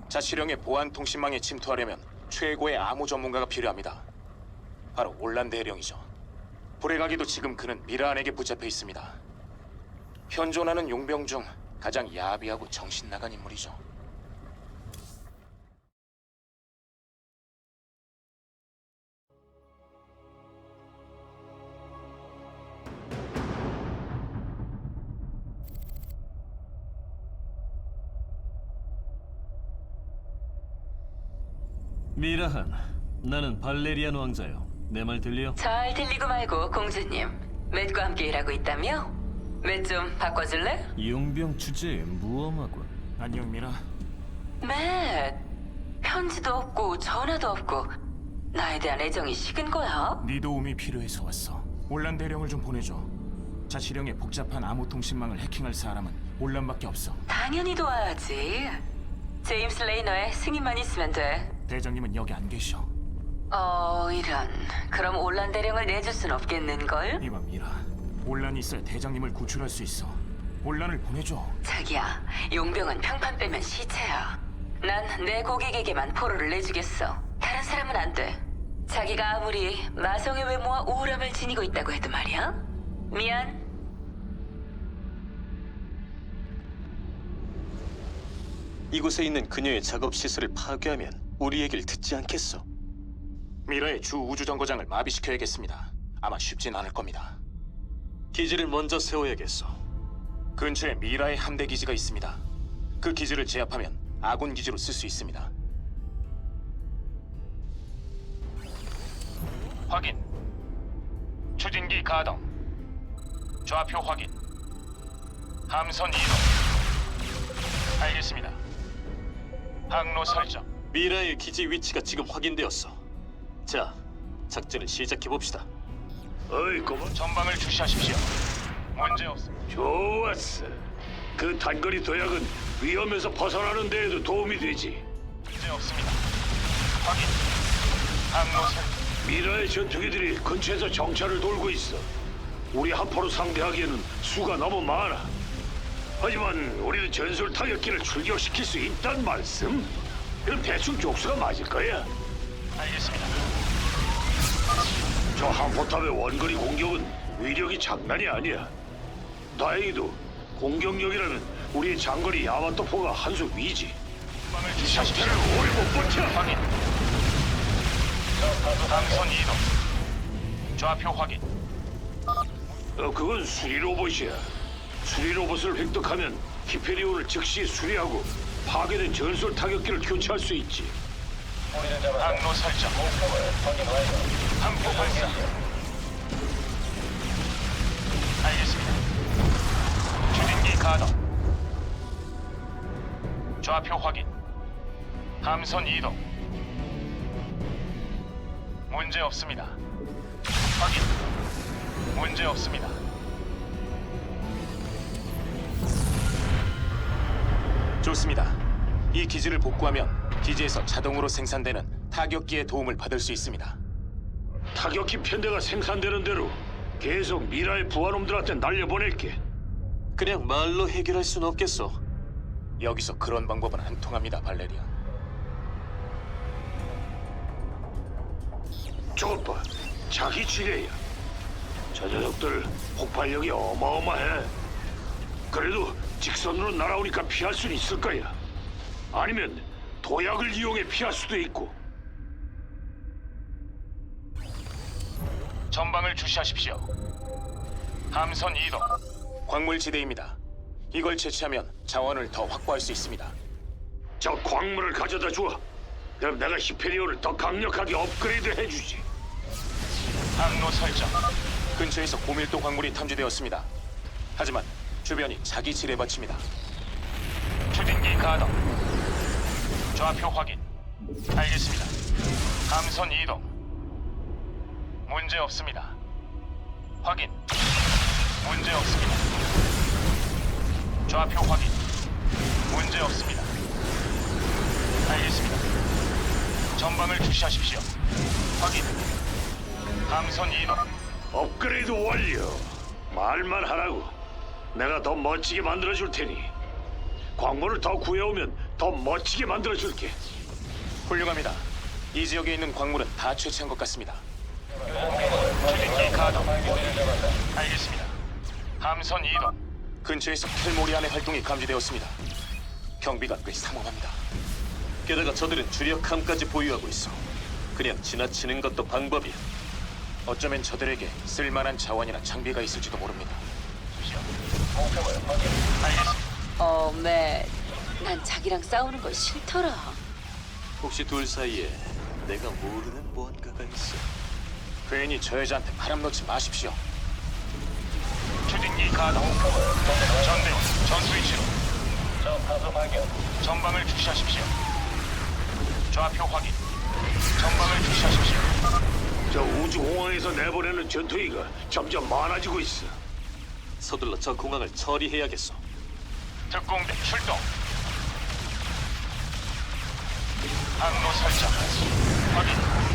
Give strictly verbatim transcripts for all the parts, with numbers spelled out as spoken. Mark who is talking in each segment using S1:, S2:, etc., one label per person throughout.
S1: 자치령의 보안 통신망에 침투하려면 최고의 암호 전문가가 필요합니다. 바로 올란 대령이죠. 불의 가기도 지금 그는 미라안에게 붙잡혀 있습니다. 현존하는 용병 중 가장 야비하고 정신 나간 인물이죠.
S2: 미라한, 나는 발레리안 왕자요. 내 말 들려?
S3: 잘 들리고 말고 공주님, 맷과 함께 일하고 있다며? 맷 좀 바꿔줄래?
S2: 용병 주제에 무엄하군.
S4: 안녕 미라.
S3: 맷, 편지도 없고 전화도 없고 나에 대한 애정이 식은 거야?
S4: 네 도움이 필요해서 왔어. 올란 대령을 좀 보내줘. 자치령의 복잡한 암호 통신망을 해킹할 사람은 올란밖에 없어.
S3: 당연히 도와야지. 제임스 레이너의 승인만 있으면 돼.
S4: 대장님은 여기 안 계셔.
S3: 어, 이런. 그럼 올란 대령을 내줄 순 없겠는걸?
S4: 이봐 미라. 올란이 있어야 대장님을 구출할 수 있어. 올란을 보내줘.
S3: 자기야, 용병은 평판 빼면 시체야. 난 내 고객에게만 포로를 내주겠어. 다른 사람은 안 돼. 자기가 아무리 마성의 외모와 우울함을 지니고 있다고 해도 말이야. 미안.
S5: 이곳에 있는 그녀의 작업 시설을 파괴하면 우리 얘기를 듣지 않겠어.
S1: 미라의 주 우주정거장을 마비시켜야겠습니다. 아마 쉽진 않을 겁니다.
S5: 기지를 먼저 세워야겠어.
S1: 근처에 미라의 함대 기지가 있습니다. 그 기지를 제압하면 아군 기지로 쓸 수 있습니다. 확인. 추진기 가동. 좌표 확인. 함선 이동. 알겠습니다. 항로 설정.
S5: 미라의 기지 위치가 지금 확인되었어. 자, 작전을 시작해봅시다.
S6: 어이, 고마.
S1: 전방을 주시하십시오. 문제 없습니다.
S6: 좋았어. 그 단거리 도약은 위험에서 벗어나는 데에도 도움이 되지.
S1: 문제 없습니다. 확인. 항로 설정.
S6: 미라의 전투기들이 근처에서 정찰을 돌고 있어. 우리 한포로 상대하기에는 수가 너무 많아. 하지만 우리는 전술 타격기를 출격시킬 수 있단 말씀? 그럼 대충 족수가 맞을 거야.
S1: 알겠습니다.
S6: 저 한포탑의 원거리 공격은 위력이 장난이 아니야. 다행히도 공격력이라면 우리의 장거리 야마토포가 한 수 위지.
S1: 전방을 주시하십시오.
S6: 상태를 오래 못 버텨.
S1: 확인. 함선 이동. 좌표 확인.
S6: 어, 그건 수리 로봇이야. 수리 로봇을 획득하면 히페리온을 즉시 수리하고 파괴된 전술 타격기를 교체할 수 있지.
S1: 항로 설정. 함포 발사. 알겠습니다. 추진기 가동. 좌표 확인. 함선 이동. 문제 없습니다. 확인. 문제 없습니다. 좋습니다. 이 기지를 복구하면 기지에서 자동으로 생산되는 타격기의 도움을 받을 수 있습니다.
S6: 타격기 편대가 생산되는 대로 계속 미라의 부하놈들한테 날려보낼게.
S5: 그냥 말로 해결할 순 없겠어.
S1: 여기서 그런 방법은 안 통합니다, 발레리아.
S6: 저것 봐. 자기 지뢰야. 저 녀석들 폭발력이 어마어마해. 그래도 직선으로 날아오니까 피할 수는 있을 거야. 아니면 도약을 이용해 피할 수도 있고.
S1: 전방을 주시하십시오. 함선 이동. 광물지대입니다. 이걸 채취하면 자원을 더 확보할 수 있습니다.
S6: 저 광물을 가져다 줘. 그럼 내가 히페리온을 더 강력하게 업그레이드 해주지.
S1: 항로 설정. 근처에서 고밀도 광물이 탐지되었습니다. 하지만 주변이 자기 지뢰밭입니다. 추진기 가동. 좌표 확인. 알겠습니다. 함선 이동. 문제 없습니다. 확인. 문제 없습니다. 좌표 확인. 문제 없습니다. 알겠습니다. 전방을 주시하십시오. 확인. 함선 이동.
S6: 업그레이드 완료. 말만 하라고. 내가 더 멋지게 만들어줄 테니. 광물을 더 구해오면 더 멋지게 만들어줄게.
S1: 훌륭합니다. 이 지역에 있는 광물은 다 채취한 것 같습니다.
S7: 추진기 가동. 알겠습니다. 함선 이동.
S1: 근처에서 켈모리안의 활동이 감지되었습니다. 경비가 꽤 삼엄합니다.
S5: 게다가 저들은 주력함까지 보유하고 있어. 그냥 지나치는 것도 방법이야.
S1: 어쩌면 저들에게 쓸만한 자원이나 장비가 있을지도 모릅니다.
S3: 어, 맷. 난 자기랑 싸우는 거 싫더라.
S5: 혹시 둘 사이에 내가 모르는 무언가가 있어?
S1: 괜히 저 여자한테 바람 넣지 마십시오.
S7: 추진기 가동. 전대원 전투 위치로. 전방을 주시하십시오. 좌표 확인. 전방을 주시하십시오.
S6: 저 우주공항에서 내보내는 전투기가 점점 많아지고 있어.
S5: 서둘러 저 공항을 처리해야겠어.
S7: 특공대 출동. 항로 설정. 확인.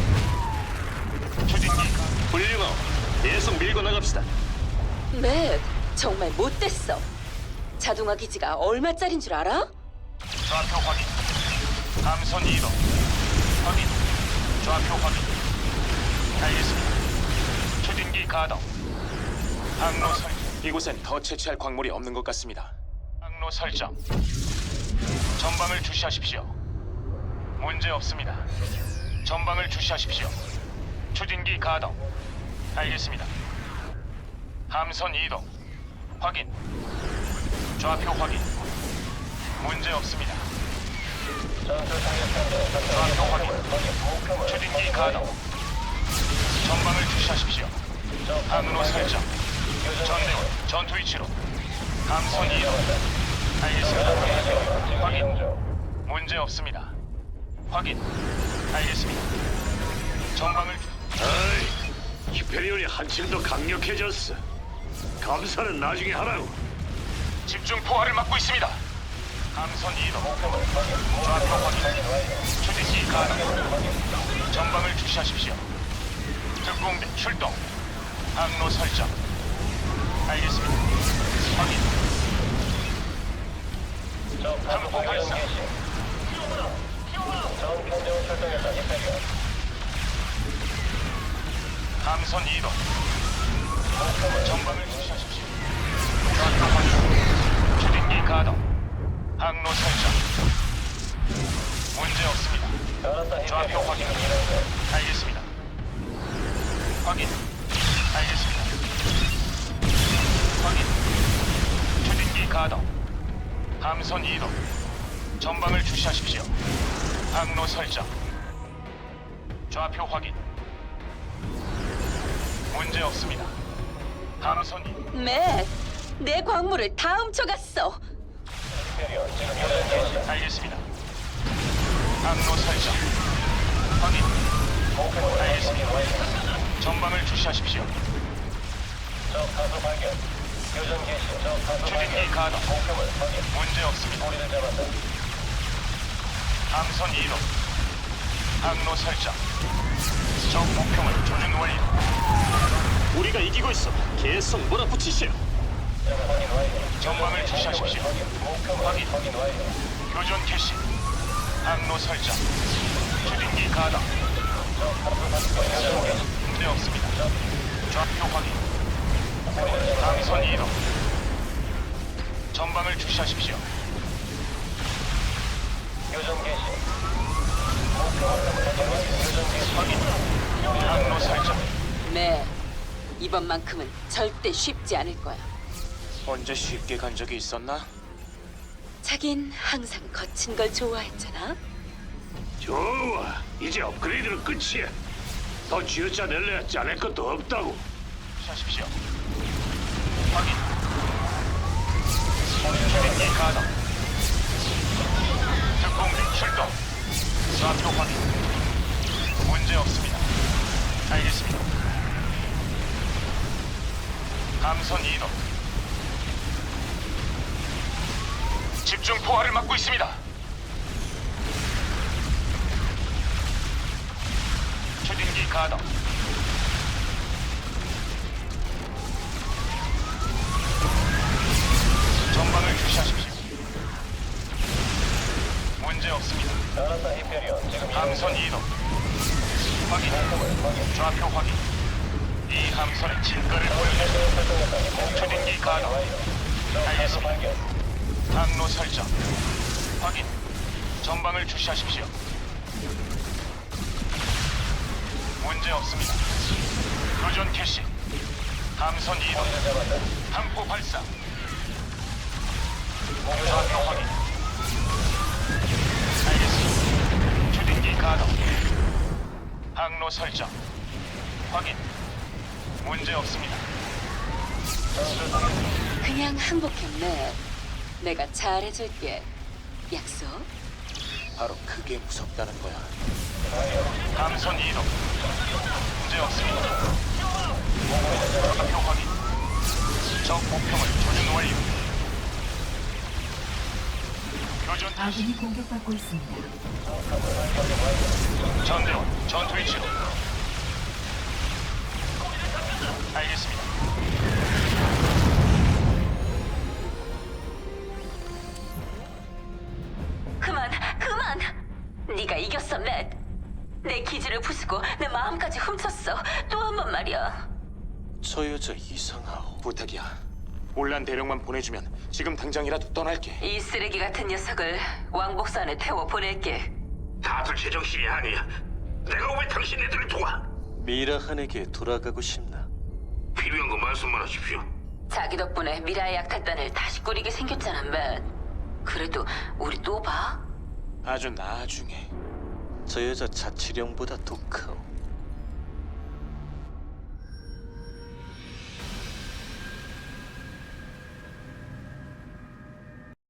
S7: 추진기
S5: 훌륭하오. 계속 밀고 나갑시다.
S3: 맷, 정말 못됐어. 자동화 기지가 얼마짜린 줄 알아?
S7: 좌표 확인. 함선 이동. 확인. 좌표 확인. 알겠습니다. 추진기 가동. 항로 설.
S1: 이곳엔 더 채취할 광물이 없는 것 같습니다.
S7: 항로 설정. 전방을 주시하십시오. 문제 없습니다. 전방을 주시하십시오. 추진기 가동. 알겠습니다. 함선 이동. 확인. 좌표 확인. 문제 없습니다. 좌표 확인. 추진기 가동. 전방을 주시하십시오. 항로 설정. 전대원 전투 위치로. 함선 이동. 알겠습니다. 확인. 문제 없습니다. 확인. 알겠습니다. 전방을 주...
S6: 아이, 히페리온이 한층 더 강력해졌어. 감사는 나중에 하라고.
S7: 집중 포화를 막고 있습니다. 함선 이동. 좌표 확인. 추진기 가동. 전방을 주시하십시오. 특공대 출동. 항로 설정. 알겠습니다. 확인. 항로 발사. 함선 이동. 전방을 주시하십시오. 좌표 확인. 추진기 가동. 항로 설정. 문제 없습니다. 좌표 확인. 알겠습니다. 확인. 알겠습니다. 확인. 추진기 가동. 함선 이동. 전방을 주시하십시오. 항로 설정. 좌표 확인. 문제 없습니다. 함선 이동.
S3: 맷, 내 광물을 다 훔쳐갔어.
S7: 알겠습니다. 항로 설정. 확인. 알겠습니다. 전방을 주시하십시오. 추진기 가동. 문제 없습니다. 함선 이동. 항로 설정. 적 목표물 조준 완료.
S5: 우리가 이기고 있어. 계속 몰아붙이시오.
S7: 전방을 주시하십시오. 확인. 교전 캐시. 항로 설정. 추진기 가동. 문제 없습니다. 좌표 확인. 함선 이동. 전방을 주시하십시오. 확인. 항로 설정.
S3: 맷, 이번만큼은 절대 쉽지 않을 거야.
S1: 언제 쉽게 간 적이 있었나?
S3: 자긴 항상 거친 걸 좋아했잖아.
S6: 좋아, 이제 업그레이드는 끝이야. 더 쥐어짜낼래야 짜낼 것도 없다고.
S7: 주시하십시오. 확인. 추진기 가동. 특공대 출동. 좌표 확인. 문제 없습니다. 알겠습니다. 함선 이동. 집중 포화를 막고 있습니다. 추진기 가동. 전방을 주시하십시오. 문제 없습니다. 함선 이동. 확인. 좌표 확인. 이 함선의 진가를 보여주세요. 추진기 가동. 알겠습니다. 항로 설정. 확인. 전방을 주시하십시오. 문제 없습니다. 교전 캐시. 함선 이동. 함포 발사. 좌표 확인. 알겠습니다. 추진기 가동. 항로 설정. 확인. 문제 없습니다.
S3: 그냥 항복했네. 내가 잘해줄게. 약속?
S1: 바로 그게 무섭다는 거야.
S7: 함선 이동. 문제 없습니다. 좌표 확인. 적 목표물 조준 완료. 교전
S8: 아군이 공격받고 있습니다.
S7: 전대원 전투 위치로. 알겠습니다.
S3: 그만, 그만! 네가 이겼어, 맷. 내 기지를 부수고 내 마음까지 훔쳤어. 또 한 번 말이야.
S1: 저 여자 이상하오. 부탁이야. 올란 대령만 보내주면 지금 당장이라도 떠날게.
S3: 이 쓰레기 같은 녀석을 왕복선 안에 태워 보낼게.
S6: 다들 제정신이 아니야. 내가 왜 당신네들을 도와?
S9: 미라한에게 돌아가고 싶나?
S6: 필요한 거 말씀만 하십시오.
S3: 자기 덕분에 미라의 약탈단을 다시 꾸리게 생겼잖아, 맷. 그래도 우리 또 봐?
S1: 아주 나중에.
S9: 저 여자 자치령보다 독하오.